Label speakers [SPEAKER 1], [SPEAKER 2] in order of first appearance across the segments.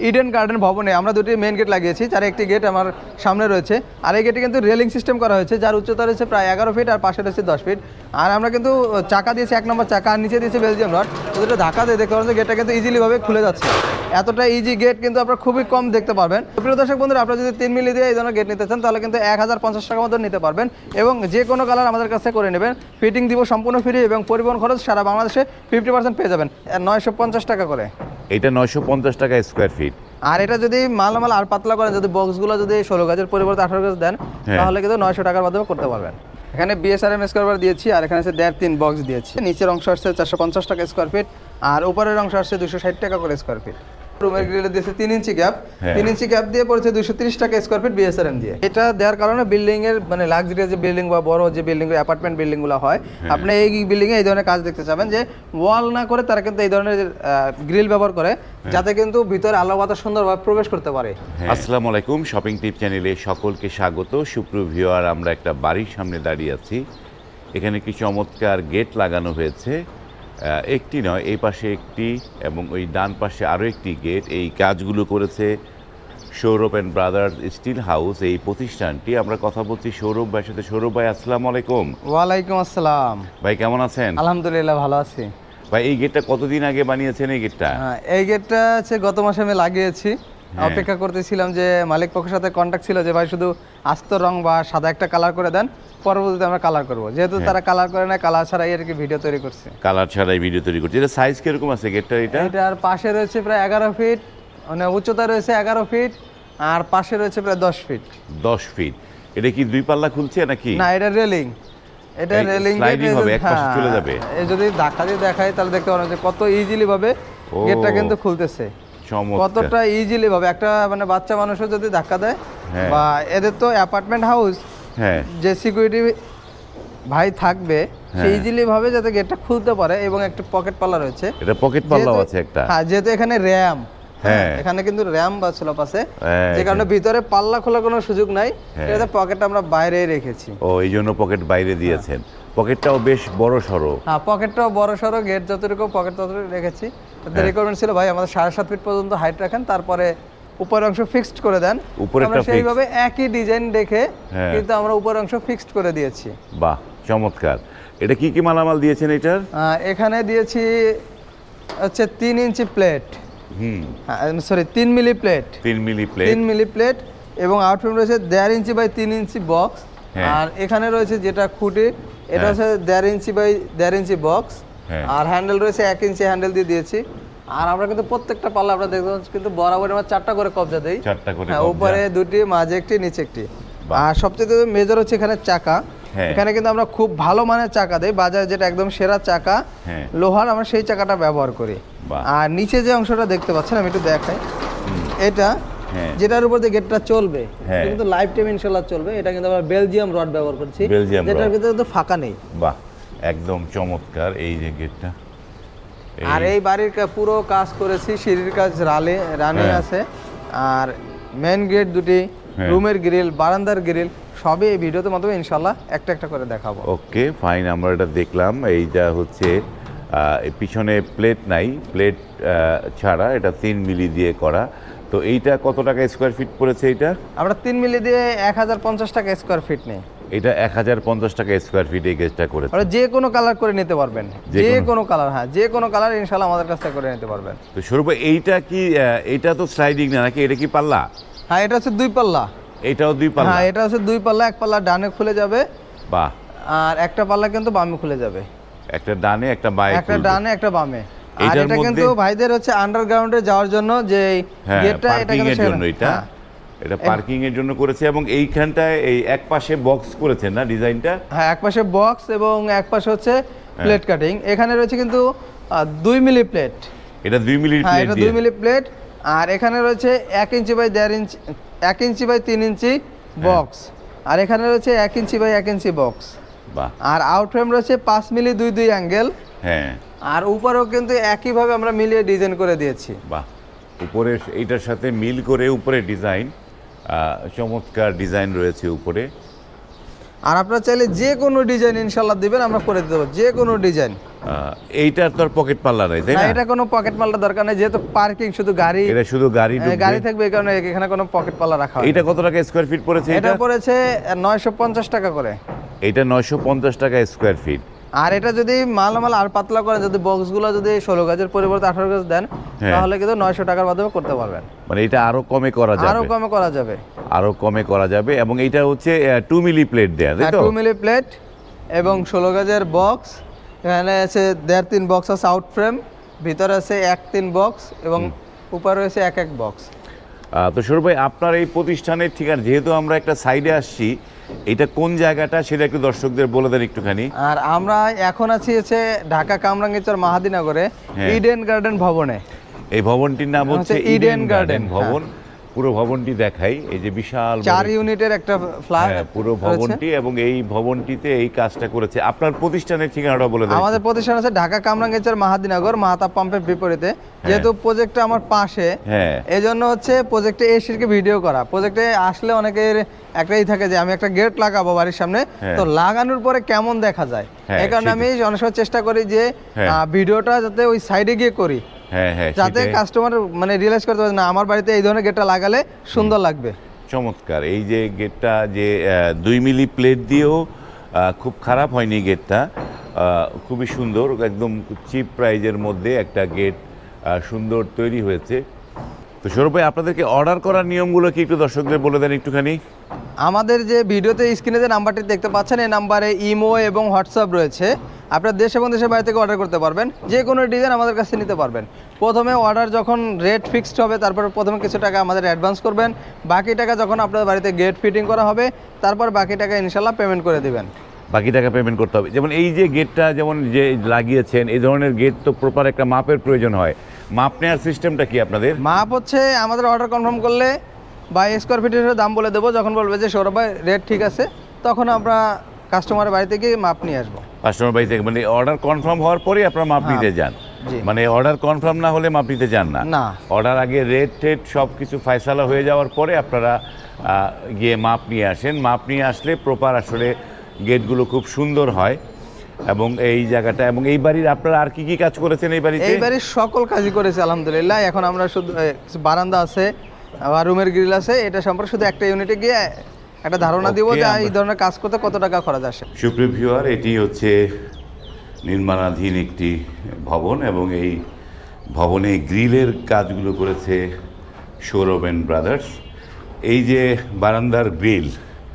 [SPEAKER 1] Eden garden ভবনে আমরা দুটি মেন গেট লাগিয়েছি, যার একটি গেট আমার সামনে রয়েছে। আর এই গেটে কিন্তু রেলিং সিস্টেম করা হয়েছে, যার উচ্চতা রয়েছে প্রায় 11 ফিট আর পাশে রয়েছে 10 ফিট। আর আমরা কিন্তু চাকা দিয়েছি 1 নম্বর চাকা, আর নিচে দিয়েছি বেলজিয়াম রড। দুটো ধাক্কা দিয়ে দেখতে পারেন যে গেটটা কিন্তু ইজিলিভাবে খুলে যাচ্ছে। এতটা ইজি গেট কিন্তু আপনারা খুবই কম দেখতে পারবেন। প্রিয় দর্শক বন্ধুরা, আপনারা যদি 3 মিলি দিয়ে এই ধরনের গেট নিতে চান তাহলে কিন্তু 1050 টাকা মতো নিতে পারবেন, এবং যে কোনো কালার আমাদের কাছে করে নেবেন। ফিটিং দিব সম্পূর্ণ ফ্রি, এবং পরিবহন খরচ সারা বাংলাদেশে 50% পেয়ে যাবেন 950 টাকা করে।
[SPEAKER 2] এটা 950 টাকা স্কোয়ার ফিট।
[SPEAKER 1] আর এটা যদি মালামাল আর পাতলা করেন, যদি বক্সগুলো যদি 16 গাজের পরিবর্তে 18 গাজ দেন, তাহলে কিন্তু 900 টাকার মাধ্যমে করতে পারবেন। এখানে বিএসআরএম স্কোয়ার দিয়েছি, আর এখানে আছে 1.5-3 বক্স দিয়েছি। নিচের অংশ আসছে 450 টাকা স্কোয়ার ফিট, আর উপরের অংশ আসছে 260 টাকা করে স্কোয়ার ফিট। রুমের গ্রিলে দিয়েছে 3 ইঞ্চি গ্যাপ, 3 ইঞ্চি গ্যাপ দিয়ে পড়েছে 230 টাকা স্কোয়ার ফিট বিএসআরএম দিয়ে। এটা দেওয়ার কারণে বিল্ডিং এর মানে লাক্সারিয়াস যে বিল্ডিং বা বড় যে বিল্ডিং অ্যাপার্টমেন্ট বিল্ডিং গুলো হয়, আপনি এই বিল্ডিং এ এই ধরনের কাজ দেখতে চাবেন যে ওয়াল না করে তারা কিন্তু এই ধরনের গ্রিল ব্যবহার করে, যাতে কিন্তু ভিতরে আলো বাতাস সুন্দরভাবে প্রবেশ করতে পারে।
[SPEAKER 2] আসসালামু আলাইকুম, শপিং টিপ চ্যানেলে সকলকে স্বাগত। সুপ্রিয় ভিউয়ার, আমরা একটা বাড়ির সামনে দাঁড়িয়ে আছি। এখানে কি চমৎকার গেট লাগানো হয়েছে, একটি নয়, এই পাশে একটি এবং ওই ডান পাশে আরও একটি গেট। এই কাজগুলো করেছে Sourav and brothers steel house, এই প্রতিষ্ঠানটি। আমরা কথা বলছি সৌরভ ভাইয়ের সাথে। সৌরভ ভাই, আসসালামু আলাইকুম।
[SPEAKER 1] ওয়ালাইকুম আসসালাম।
[SPEAKER 2] ভাই কেমন আছেন?
[SPEAKER 1] আলহামদুলিল্লাহ ভালো আছি।
[SPEAKER 2] ভাই এই গেটটা কতদিন আগে বানিয়েছেন? এই গেটটা
[SPEAKER 1] এই গেটটা হচ্ছে গত মাসে আমি লাগিয়েছি। অপেক্ষা করতেছিলাম যে মালিক পক্ষের সাথে কন্ট্যাক্ট ছিল যে ভাই শুধু আস্ত রং বা সাদা একটা কালার করে দেন, পরবর্তীতে আমরা কালার করব। যেহেতু তারা কালার করে না, কালার ছাড়াই আর কি ভিডিও তৈরি করছে।
[SPEAKER 2] কালার ছাড়াই ভিডিও তৈরি করছে। এটা সাইজ কিরকম আছে গেটটা?
[SPEAKER 1] এটার পাশে রয়েছে প্রায় 11 ফিট, মানে উচ্চতা রয়েছে 11 ফিট, আর পাশে রয়েছে প্রায় 10 ফিট।
[SPEAKER 2] 10 ফিট। এটা কি দুই পাল্লা খুলছে নাকি?
[SPEAKER 1] না, এটা রেলিং। এটা রেলিং
[SPEAKER 2] স্লাইডিং হবে, এক পাশে চলে যাবে।
[SPEAKER 1] এই যদি ধাক্কা দিয়ে দেখাই তাহলে দেখতে পারেন যে কত ইজিলি ভাবে গেটটা কিন্তু খুলতেছে। কতটা ইজিলি ভাবে একটা মানে বাচ্চা মানুষও যদি ধাক্কা দেয়, বা এদের তো অ্যাপার্টমেন্ট হাউস, যে সিকিউরিটি ভাই থাকবে সে ইজিলি ভাবে যাতে গেটটা খুলতে পারে। এবং একটা পকেট পাল্লা রয়েছে,
[SPEAKER 2] এটা পকেট পাল্লাও আছে একটা।
[SPEAKER 1] হ্যাঁ, যেহেতু এখানে র্যাম, এখানে কিন্তু র্যাম বা স্লপ আছে, যে কারণে ভিতরে পাল্লা খোলার কোনো সুযোগ নাই। এটা পকেটটা আমরা বাইরেই রেখেছি।
[SPEAKER 2] ও, এই জন্য পকেট বাইরে দিয়েছেন। পকেটটাও বেশ বড় সড়ো।
[SPEAKER 1] হ্যাঁ, পকেটটাও বড় সড়ো। গেট যতটুকু পকেট ততটুকু রেখেছি। রিকোয়ারমেন্ট ছিল ভাই আমাদের 7.5 ফিট পর্যন্ত হাইট রাখেন, তারপরে উপরের অংশ ফিক্সড করে দেন। আমরা সেইভাবে একই ডিজাইন দেখে কিন্তু আমরা উপরের অংশ ফিক্সড করে দিয়েছি।
[SPEAKER 2] বাহ, চমৎকার। এটা কি কি মালামাল দিয়েছেন এটার?
[SPEAKER 1] এখানে দিয়েছি হচ্ছে 3 inch plate, sorry 3 milli plate, 3 milli plate, এবং আউটফ্রেম রয়েছে 1.5 ইঞ্চি বাই 3 ইঞ্চি বক্স। আর এখানে রয়েছে যেটা খুঁটি, এটা হচ্ছে 1.5 ইঞ্চি বাই 1.5 ইঞ্চি বক্স। আর হ্যান্ডেল রয়েছে 1 ইঞ্চি হ্যান্ডেল দিয়ে দিয়েছি। আর আমরা কিন্তু প্রত্যেকটা পাল্লা আমরা দেখতে পাচ্ছি কিন্তু বরাবর আমরা 4টা করে কবজা দেই। উপরে 2টি, মাঝে একটি, নিচে একটি। আর সবচেয়ে মেজর হচ্ছে এখানে চাকা। এখানে কিন্তু আমরা খুব ভালো মানের চাকা দেই, বাজারে যেটা একদম সেরা চাকা লোহার, আমরা সেই চাকাটা ব্যবহার করি। আর নিচে যে অংশটা দেখতে পাচ্ছেন আমি একটু দেখাই, এটা যেটার উপর দিয়ে গেটটা চলবে কিন্তু লাইফ টাইম ইনশাআল্লাহ চলবে। এটা কিন্তু আমরা বেলজিয়াম রড ব্যবহার করছি, যেটার ভিতরে তো ফাঁকা নেই।
[SPEAKER 2] বাহ, একদম চমৎকার এই যে গেটটা।
[SPEAKER 1] আর এই বাড়ির পুরো কাজ করেছি, সিঁড়ির কাজ রানি আছে, আর মেন গেট দুটি, রুমের গ্রিল, বারান্দার গ্রিল সবই এই ভিডিওতে মাধ্যমে ইনশাআল্লাহ একটা একটা করে দেখাবো।
[SPEAKER 2] Okay, fine. আমরা এটা দেখলাম। এইটা হচ্ছে পিছনে প্লেট নাই, প্লেট ছাড়া এটা 3 মিলি দিয়ে করা। তো এইটা কত টাকা স্কোয়ার ফিট পড়েছে? এইটা
[SPEAKER 1] আমরা 3 মিলি দিয়ে 1050 টাকা স্কোয়ার ফিট নেই।
[SPEAKER 2] এটা 1050 টাকা স্কোয়ার ফিট এই গেজটা করেছে।
[SPEAKER 1] আর যে কোনো কালার করে নিতে পারবেন, যে কোনো কালার। হ্যাঁ, যে কোনো কালার ইনশাআল্লাহ আমাদের কাছ থেকে করে নিতে পারবেন।
[SPEAKER 2] তো স্বরূপ, এইটা কি, এটা তো স্লাইডিং না নাকি? এটা কি পাল্লা?
[SPEAKER 1] হ্যাঁ, এটা হচ্ছে 2 পাল্লা।
[SPEAKER 2] এটাও 2 পাল্লা?
[SPEAKER 1] হ্যাঁ, এটা হচ্ছে 2 পাল্লা। এক পাল্লা ডানে খুলে যাবে,
[SPEAKER 2] বাহ,
[SPEAKER 1] আর একটা পাল্লা কিন্তু বামে খুলে যাবে।
[SPEAKER 2] একটা ডানে, একটা বামে,
[SPEAKER 1] একটা ডানে, একটা বামে। আর এটা কিন্তু ভাইদের হচ্ছে আন্ডারগ্রাউন্ডে যাওয়ার জন্য যে গেটটা, এটা কিন্তু
[SPEAKER 2] জন্য এটা পার্কিং এর জন্য করেছে। এবং এইখানটায় এই এক পাশে বক্স করেছেন না ডিজাইনটা?
[SPEAKER 1] হ্যাঁ, এক পাশে বক্স এবং এক পাশে হচ্ছে প্লেট কাটিং। এখানে রয়েছে কিন্তু 2 মিলি প্লেট।
[SPEAKER 2] এটা 2 মিলি প্লেট।
[SPEAKER 1] হ্যাঁ, এটা 2 মিলি প্লেট। আর এখানে রয়েছে 1 inch by 1.5 inch, 1 inch by 3 inch box. আর এখানে রয়েছে 1 ইঞ্চি বাই 1 ইঞ্চি বক্স।
[SPEAKER 2] বাহ।
[SPEAKER 1] আর আউট ফ্রেম রয়েছে 5 মিলি 2 অ্যাঙ্গেল।
[SPEAKER 2] হ্যাঁ।
[SPEAKER 1] আর উপরেও কিন্তু একইভাবে আমরা মিলিয়ে ডিজাইন করে দিয়েছি।
[SPEAKER 2] বাহ, উপরে এইটার সাথে মিল করে উপরে ডিজাইন, চমৎকার ডিজাইন রয়েছে উপরে।
[SPEAKER 1] আর আপনারা চাইলে যে কোনো ডিজাইন ইনশাল্লাহ দিবেন, আমরা করে দিতে পারবো যে কোনো ডিজাইন।
[SPEAKER 2] এইটার তো আর পকেট পাল্লা নাই, তাই
[SPEAKER 1] না,
[SPEAKER 2] না?
[SPEAKER 1] এটা কোনো পকেট পাল্লা দরকার নেই, যেহেতু পার্কিং শুধু গাড়ি,
[SPEAKER 2] এটা শুধু গাড়ি
[SPEAKER 1] গাড়ি থাকবে, এই কারণে এখানে কোনো পকেট পাল্লা রাখা হয় না।
[SPEAKER 2] এটা কত টাকা স্কয়ার ফিট পড়েছে?
[SPEAKER 1] এটা পড়েছে 950 টাকা করে।
[SPEAKER 2] এটা 950 টাকা স্কয়ার ফিট।
[SPEAKER 1] আর এটা যদি মালামাল আর পাতলা করেন, যদি বক্সগুলো যদি 16 গজের পরিবর্তে 18 গজ দেন, তাহলে কিন্তু 900 টাকার মাধ্যমে করতে পারবেন।
[SPEAKER 2] মানে এটা আরো কমে করা যাবে,
[SPEAKER 1] আরো কমে করা যাবে,
[SPEAKER 2] আরো কমে করা যাবে। এবং এটা হচ্ছে 2 মিলি প্লেট দেয়া, তাই তো?
[SPEAKER 1] 2 মিলি প্লেট এবং 16 গজের বক্স। এখানে আছে 1.5-3 বক্স আছে আউট ফ্রেম, ভিতরে আছে 1-3 বক্স এবং উপরে রয়েছে 1 বক্স।
[SPEAKER 2] তো সৌরভ ভাই, আপনার এই প্রতিষ্ঠানের ঠিকানা, যেহেতু আমরা একটা সাইডে আসছি, এটা কোন জায়গাটা সেটা একটু দর্শকদের বলে দেন একটুখানি।
[SPEAKER 1] আর আমরা এখন আছি হচ্ছে ঢাকা কামরাঙ্গীরচর মাহাদিনগরে ইডেন গার্ডেন ভবনে।
[SPEAKER 2] এই ভবনটির নাম হচ্ছে ইডেন গার্ডেন ভবন। পুরো ভবনটি দেখাই, এই যে বিশাল
[SPEAKER 1] 4 ইউনিটের একটা ফ্ল্যাট,
[SPEAKER 2] পুরো ভবনটি, এবং এই ভবনটিতে এই কাজটা করেছে। আপনার প্রতিষ্ঠানের ঠিকানাটা বলে দেন।
[SPEAKER 1] আমাদের প্রতিষ্ঠান আছে ঢাকা কামরাঙ্গীরচর মাহাদিনগর, মাহাতাব পাম্পের বিপরীতে। যেহেতু প্রজেক্টটা আমার পাশে, এই জন্য হচ্ছে প্রজেক্টে এসে ভিডিও করা। প্রজেক্টে আসলে অনেকের একটাই থাকে যে আমি একটা গেট লাগাবো বাড়ির সামনে, তো লাগানোর পরে কেমন দেখা যায়, এই কারণে আমি অনেক সময় চেষ্টা করি যে ভিডিওটা যাতে ওই সাইডে গিয়ে করি, যাতে কাস্টমার মানে রিয়েলাইজ করতে পারে না আমার বাড়িতে এই ধরনের গেটটা লাগালে সুন্দর লাগবে।
[SPEAKER 2] চমৎকার। এই যে গেটটা যে 2 মিলি প্লেট দিয়েও খুব খারাপ হয়নি গেটটা, খুবই সুন্দর, একদম চিপ প্রাইজের মধ্যে একটা গেট সুন্দর তৈরি হয়েছে। তো সৌরভ ভাই, আপনাদেরকে অর্ডার করার নিয়মগুলো কি একটু দর্শকদের বলে দেন একটুখানি।
[SPEAKER 1] আমাদের যে ভিডিওতে স্ক্রিনে যে নাম্বারটি দেখতে পাচ্ছেন, এই নাম্বারে ইমো এবং হোয়াটসঅ্যাপ রয়েছে। আপনার দেশ এবং দেশের বাইরে থেকে অর্ডার করতে পারবেন, যে কোনো ডিজাইন আমাদের কাছে নিতে পারবেন। প্রথমে অর্ডার যখন রেট ফিক্সড হবে, তারপর প্রথমে কিছু টাকা আমাদের অ্যাডভান্স করবেন, বাকি টাকা যখন আপনার বাড়িতে গেট ফিটিং করা হবে, তারপর বাকি টাকা ইনশাল্লাহ পেমেন্ট করে দিবেন।
[SPEAKER 2] বাকি টাকা পেমেন্ট করতে হবে। যেমন এই যে গেটটা যেমন যে লাগিয়েছেন, এই ধরনের গেট তো প্রপার একটা মাপের প্রয়োজন হয়। মাপ নেওয়ার সিস্টেমটা কি আপনাদের?
[SPEAKER 1] মাপ হচ্ছে আমাদের অর্ডার কনফার্ম করলে বা স্কোয়ার ফিটের দাম বলে দেবো, যখন বলবে যে সৌরভ ভাই রেট ঠিক আছে, তখন আমরা কাস্টমারের বাড়িতে গিয়ে মাপ নিয়ে আসবো।
[SPEAKER 2] কাস্টমার বাড়ি থেকে মানে অর্ডার কনফার্ম হওয়ার পরেই আপনারা মাপ নিতে যান? মানে অর্ডার কনফার্ম না হলে মাপ নিতে যান না? অর্ডার আগে রেট টেট সব কিছু ফয়সালা হয়ে যাওয়ার পরে আপনারা গিয়ে মাপ নিয়ে আসেন। মাপ নিয়ে আসলে প্রপার আসলে গেটগুলো খুব সুন্দর হয়। এবং এই জায়গাটা এবং এই বাড়ির আপনারা আর কি কি কাজ করেছেন এই বাড়িতে?
[SPEAKER 1] এই বাড়ির সকল কাজই করেছে আলহামদুলিল্লাহ। এখন আমরা শুধু বারান্দা আছে, আবার রুমের গ্রিল আছে, এটা সম্পর্কে শুধু একটা ইউনিটে গিয়ে একটা ধারণা দিব যে এই ধরনের কাজ করতে কত টাকা খরচ আসে।
[SPEAKER 2] সুপ্রিয় ভিউয়ার, এটি হচ্ছে নির্মাণাধীন একটি ভবন, এবং এই ভবনে গ্রিলের কাজগুলো করেছে সৌরভ এন্ড ব্রাদার্স। এই যে বারান্দার গ্রিল,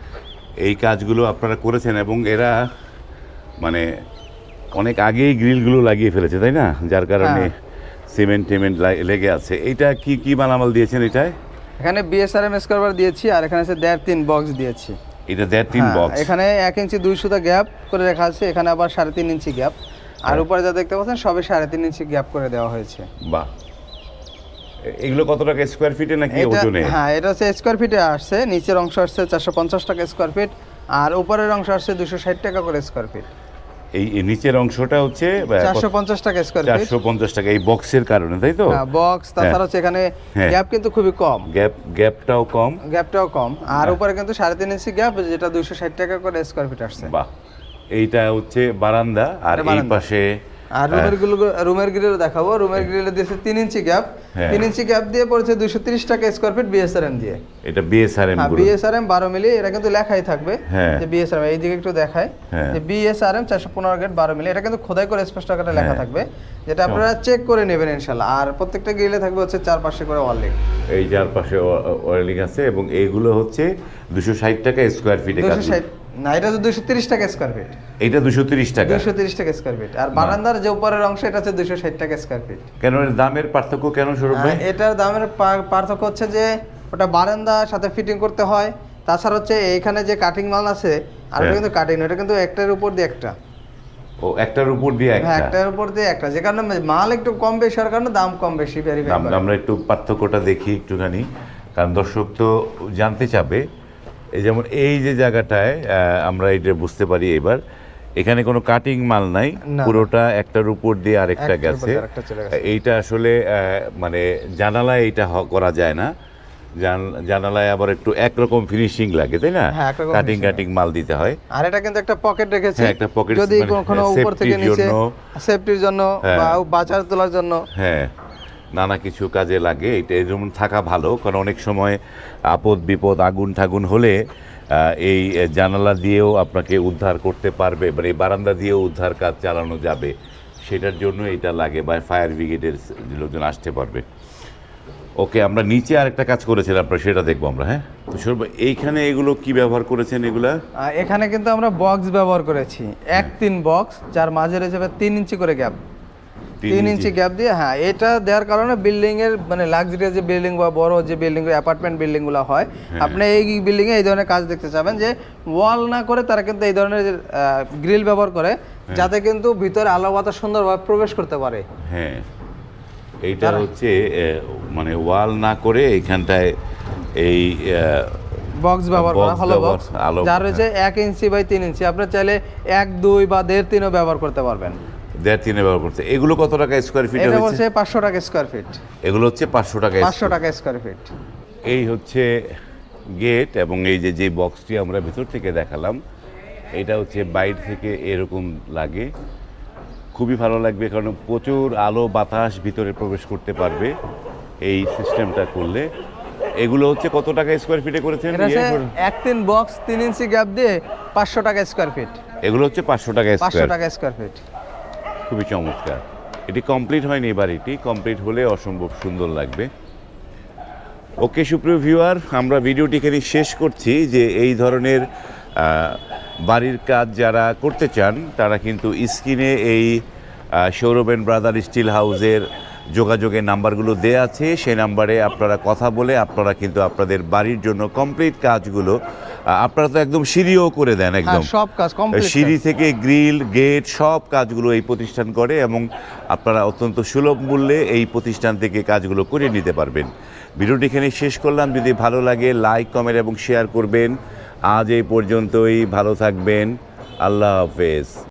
[SPEAKER 2] এই কাজগুলো আপনারা করেছেন, এবং এরা মানে অনেক আগেই গ্রিলগুলো লাগিয়ে ফেলেছে, তাই না? যার কারণে সিমেন্ট টিমেন্ট লেগে আছে। এইটা কি কি মালামাল দিয়েছেন এটায়?
[SPEAKER 1] এখানে বিএসআরএম স্কোয়ার দিয়েছি, আর এখানে আছে 1.5-3 বক্স দিয়েছি।
[SPEAKER 2] এটা 1.5-3 বক্স।
[SPEAKER 1] এখানে 1 ইঞ্চি 2 সুতা গ্যাপ করে রাখা আছে, এখানে আবার 3.5 ইঞ্চি গ্যাপ, আর উপরে যা দেখতে পাচ্ছেন সবে 3.5 ইঞ্চি গ্যাপ করে দেওয়া হয়েছে।
[SPEAKER 2] বাহ! এগুলো কত টাকা স্কোয়ার ফিটে নাকি ওজনে?
[SPEAKER 1] হ্যাঁ, এটা হচ্ছে স্কোয়ার ফিটে আসছে। নিচের অংশ আসছে 450 টাকা স্কোয়ার ফিট, আর উপরের অংশ আসছে 260 টাকা করে স্কোয়ার ফিট।
[SPEAKER 2] এই নিচের অংশটা হচ্ছে
[SPEAKER 1] 450 টাকা স্কোয়ার ফিট।
[SPEAKER 2] 450 টাকা এই বক্সের কারণে, তাই তো?
[SPEAKER 1] হ্যাঁ, বক্স। তাছাড়া হচ্ছে এখানে গ্যাপ কিন্তু খুবই কম,
[SPEAKER 2] গ্যাপটাও কম,
[SPEAKER 1] আর উপরে কিন্তু 3.5 ইঞ্চি গ্যাপ, যেটা 260 টাকা করে স্কোয়ার ফিট আসছে।
[SPEAKER 2] বাহ! এইটা হচ্ছে বারান্দা, আর এই পাশে
[SPEAKER 1] আর রুমের গ্রিল দেখাবো। রুমের গ্রিলে দিয়েছে 3 ইঞ্চি গ্যাপ, 3 ইঞ্চি গ্যাপ দিয়ে পড়েছে 230 টাকা স্কোয়ার ফিট বিএসআরএম দিয়ে।
[SPEAKER 2] এটা বিএসআরএম,
[SPEAKER 1] বিএসআরএম 12 মিলি, এটা কিন্তু লেখাই থাকবে যে বিএসআরএম। এই দিকে একটু দেখায় যে বিএসআরএম 415 গেট 12 মিলি, এটা কিন্তু খোদাই করে স্পষ্ট আকারে লেখা থাকবে, যেটা আপনারা চেক করে নেবেন ইনশাআল্লাহ। আর প্রত্যেকটা গ্রিলে থাকবে হচ্ছে 4 পাশে করে ওয়ার্লিং।
[SPEAKER 2] এই 4 পাশে ওয়ার্লিং আছে, এবং এইগুলো হচ্ছে 260 টাকা স্কোয়ার ফিট।
[SPEAKER 1] 260 না, এটা হচ্ছে 230 টাকা স্কোয়ার ফিট।
[SPEAKER 2] এটা 230 টাকা,
[SPEAKER 1] 230 টাকা স্কোয়ার ফিট। আর বারান্দার যে উপরের অংশ, এটা হচ্ছে 260 টাকা স্কোয়ার ফিট।
[SPEAKER 2] কেন এর দামের পার্থক্য কেন সৌরভ ভাই?
[SPEAKER 1] এটার দামের পার্থক্য হচ্ছে যে ওটা বারান্দার সাথে ফিটিং করতে হয়, তাছাড়া হচ্ছে এইখানে যে কাটিং মাল আছে, আর ওটা কিন্তু কাটিং, এটা কিন্তু একটার উপর দিয়ে একটা।
[SPEAKER 2] ও, একটার উপর দিয়ে একটা?
[SPEAKER 1] হ্যাঁ, একটার উপর দিয়ে একটা, যে কারণে মাল একটু কম বেশি হওয়ার কারণে দাম কম বেশি ভেরিফাই করে।
[SPEAKER 2] আমরা একটু পার্থক্যটা দেখি একটুখানি, কারণ দর্শক তো জানতে চাবে। এই যেমন এই যে জায়গাটায় আমরা এটা বুঝতে পারি এবার, এখানে কোনো কাটিং মাল নাই, পুরোটা একটার উপর দিয়ে আরেকটা গেছে। এইটা আসলে মানে জানালায় এইটা করা যায় না, জানালায় আবার একটু একরকম ফিনিশিং লাগে, তাই না?
[SPEAKER 1] হ্যাঁ, একরকম
[SPEAKER 2] কাটিং
[SPEAKER 1] finishing
[SPEAKER 2] কাটিং মাল দিতে হয়।
[SPEAKER 1] আর এটা কিন্তু একটা পকেট রেখেছি,
[SPEAKER 2] হ্যাঁ, একটা pocket
[SPEAKER 1] যদি
[SPEAKER 2] মানে
[SPEAKER 1] কখনো উপর থেকে
[SPEAKER 2] safety-র
[SPEAKER 1] নিচে
[SPEAKER 2] জন্য।
[SPEAKER 1] সেফটির জন্য
[SPEAKER 2] হ্যাঁ।
[SPEAKER 1] বা বাজার তোলার জন্য।
[SPEAKER 2] হ্যাঁ, নানা কিছু কাজে লাগে, এটা যেমন থাকা ভালো, কারণ অনেক সময় আপদ বিপদ আগুন ঠাগুন হলে এই জানালা দিয়েও আপনাকে উদ্ধার করতে পারবে, মানে এই বারান্দা দিয়েও উদ্ধার কাজ চালানো যাবে, সেটার জন্য এটা লাগে, বা ফায়ার ব্রিগেডের লোকজন আসতে পারবে। ওকে, আমরা নিচে আরেকটা কাজ করেছিলাম, আপনার সেটা দেখবো আমরা। হ্যাঁ, তো সৌরভ, এইখানে এগুলো কি ব্যবহার করেছেন এগুলা?
[SPEAKER 1] এখানে কিন্তু আমরা বক্স ব্যবহার করেছি,
[SPEAKER 2] হ্যাঁ।
[SPEAKER 1] 1-3 বক্স, যার মাঝে রয়েছে 3 ইঞ্চি করে গ্যাপ। 3 ইঞ্চি গ্যাপ দিয়ে, হ্যাঁ, এটা দেওয়ার কারণে বিল্ডিং এর মানে লাক্সারিয়াস যে বিল্ডিং বা বড় যে বিল্ডিং, অ্যাপার্টমেন্ট বিল্ডিং গুলো হয়, আপনি এই বিল্ডিং এ এই ধরনের কাজ দেখতে চাবেন যে ওয়াল না করে তারা কিন্তু এই ধরনের গ্রিল ব্যবহার করে, যাতে কিন্তু ভিতরে আলো বাতাস সুন্দরভাবে প্রবেশ করতে পারে।
[SPEAKER 2] হ্যাঁ, এইটা হচ্ছে মানে ওয়াল না করে এইখানটায় এই
[SPEAKER 1] বক্স ব্যবহার করা,
[SPEAKER 2] box
[SPEAKER 1] হলো
[SPEAKER 2] ব্যবহার,
[SPEAKER 1] বক্স,
[SPEAKER 2] আলো,
[SPEAKER 1] যার রয়েছে 1 ইঞ্চি বাই 3 ইঞ্চি। আপনি চাইলে 1, 2 বা 1.5-3 ব্যবহার করতে পারবেন।
[SPEAKER 2] 1.5-3 ব্যবহার করতে। এগুলো কত টাকা স্কোয়ার ফিট
[SPEAKER 1] এটা
[SPEAKER 2] হচ্ছে?
[SPEAKER 1] বলছে 500 টাকা স্কয়ার ফিট।
[SPEAKER 2] এগুলো হচ্ছে 500 টাকা।
[SPEAKER 1] 500 টাকা স্কয়ার ফিট।
[SPEAKER 2] এই হচ্ছে গেট, এবং এই যে বক্সটি আমরা ভেতর থেকে দেখালাম, এটা হচ্ছে বাইরে থেকে এরকম লাগে, খুবই ভালো লাগবে, কারণ প্রচুর আলো বাতাস ভিতরে প্রবেশ করতে পারবে এই সিস্টেমটা করলে। এগুলো হচ্ছে কত টাকা স্কোয়ার ফিটে করেছেন?
[SPEAKER 1] এটা হচ্ছে 1-3 বক্স 3 ইঞ্চি গ্যাপ দিয়ে 500 টাকা স্কয়ার ফিট।
[SPEAKER 2] এগুলো হচ্ছে 500 টাকা
[SPEAKER 1] 500
[SPEAKER 2] স্কোয়ার।
[SPEAKER 1] টাকা স্কয়ার ফিট।
[SPEAKER 2] খুবই চমৎকার। এটি কমপ্লিট হয়নি, বাড়িটি কমপ্লিট হলে অসম্ভব সুন্দর লাগবে। ওকে সুপ্রিয় ভিউয়ার, আমরা ভিডিওটি এখানে শেষ করছি। যে এই ধরনের বাড়ির কাজ যারা করতে চান, তারা কিন্তু স্ক্রিনে এই সৌরভ এন্ড ব্রাদার স্টিল হাউসের যোগাযোগের নাম্বারগুলো দেয়া আছে, সেই নাম্বারে আপনারা কথা বলে আপনারা কিন্তু আপনাদের বাড়ির জন্য কমপ্লিট কাজগুলো, আপনারা তো একদম সিঁড়িও করে দেন, একদম
[SPEAKER 1] সব কাজ কমপ্লিট,
[SPEAKER 2] সিঁড়ি থেকে গ্রিল গেট সব কাজগুলো এই প্রতিষ্ঠান করে, এবং আপনারা অত্যন্ত সুলভ মূল্যে এই প্রতিষ্ঠান থেকে কাজগুলো করে নিতে পারবেন। ভিডিওটি এখানে শেষ করলাম। যদি ভালো লাগে লাইক কমেন্ট এবং শেয়ার করবেন। আজ এই পর্যন্তই, ভালো থাকবেন, আল্লাহ হাফেজ।